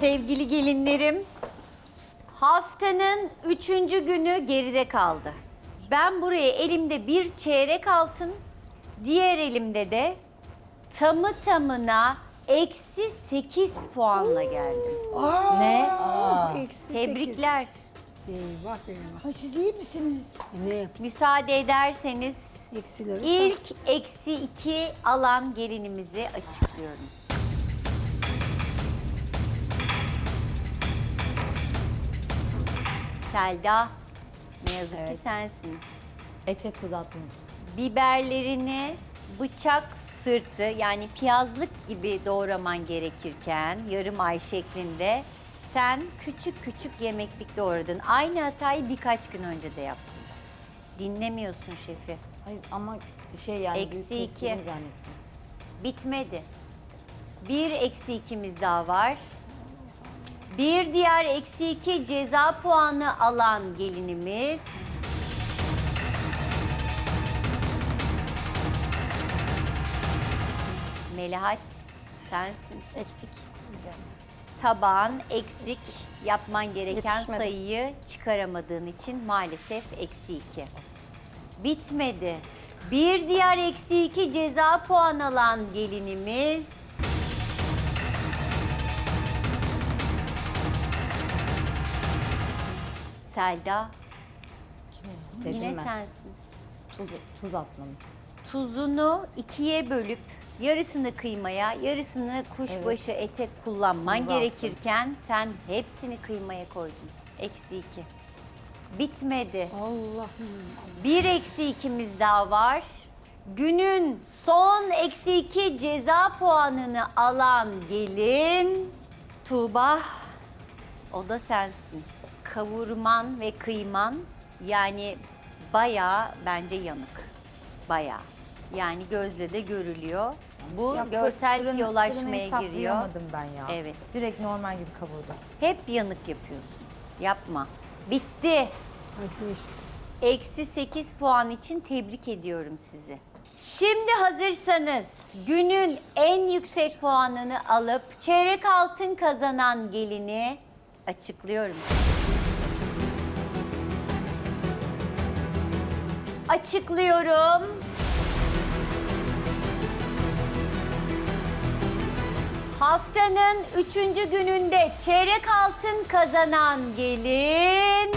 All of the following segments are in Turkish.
Sevgili gelinlerim, haftanın 3. günü geride kaldı. Ben buraya elimde bir çeyrek altın, diğer elimde de tamı tamına eksi 8 puanla geldim. Ne? Eksi Tebrikler. Eyvah eyvah. Ay, siz iyi misiniz? Ne? Müsaade ederseniz Eksileri ilk eksi 2 alan gelinimizi açıklıyorum. Selda, ne yazık ki sensin. Ete tuz atmam. Biberlerini bıçak sırtı yani piyazlık gibi doğraman gerekirken yarım ay şeklinde sen küçük küçük yemeklik doğradın. Aynı hatayı birkaç gün önce de yaptın. Dinlemiyorsun şefi. Hayır ama şey yani Eksi büyük iki. kestiğimi zannettim. Bitmedi. Bir eksi ikimiz daha var. Bir diğer eksi 2 ceza puanı alan gelinimiz Melahat, sensin. Eksik. Tabağın eksik, yapman gereken Yetişmedi. sayıyı çıkaramadığın için maalesef eksi 2. Bitmedi. Bir diğer eksi 2 ceza puan alan gelinimiz Selda. Dedim Yine ben. sensin. Tuz atmam. Tuzunu ikiye bölüp yarısını kıymaya, yarısını kuşbaşı ete kullanman Bunu da gerekirken sen hepsini kıymaya koydun. Eksi 2. Bitmedi. Allah'ım. Bir eksi ikimiz daha var. Günün son eksi 2 ceza puanını alan gelin Tuğba. O da sensin. Kavurman ve kıyman yani bayağı bence yanık. Bayağı. Yani gözle de görülüyor. Bu Ya görsel fırını tiyolaşmaya giriyor. hesaplayamadım ben ya. Evet. Direkt normal gibi kavurdum. Hep yanık yapıyorsun. Yapma. Bitti. Ay hiç. Eksi 8 puan için tebrik ediyorum sizi. Şimdi hazırsanız günün en yüksek puanını alıp çeyrek altın kazanan gelini açıklıyorum. Açıklıyorum. Haftanın 3. gününde çeyrek altın kazanan gelin...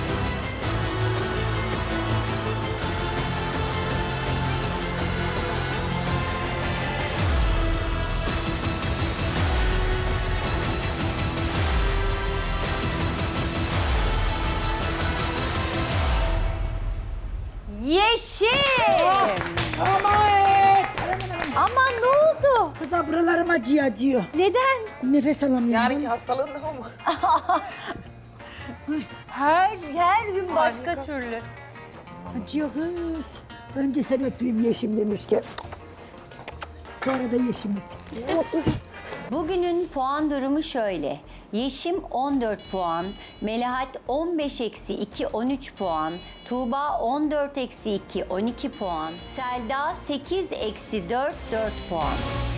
Yeşim! Aman! Aman ne oldu? Kıza buralarım acıyor. Neden? Nefes alamıyorum. hastalığın da mı? Her gün başka türlü. Acıyor kız. Önce sen öpeyim Yeşim demişken. Sonra da Yeşim öpeyim. Bugünün puan durumu şöyle. Yeşim 14 puan, Melahat 15 eksi 2 13 puan, Tuğba 14 eksi 2 12 puan, Selda 8 eksi 4 4 puan.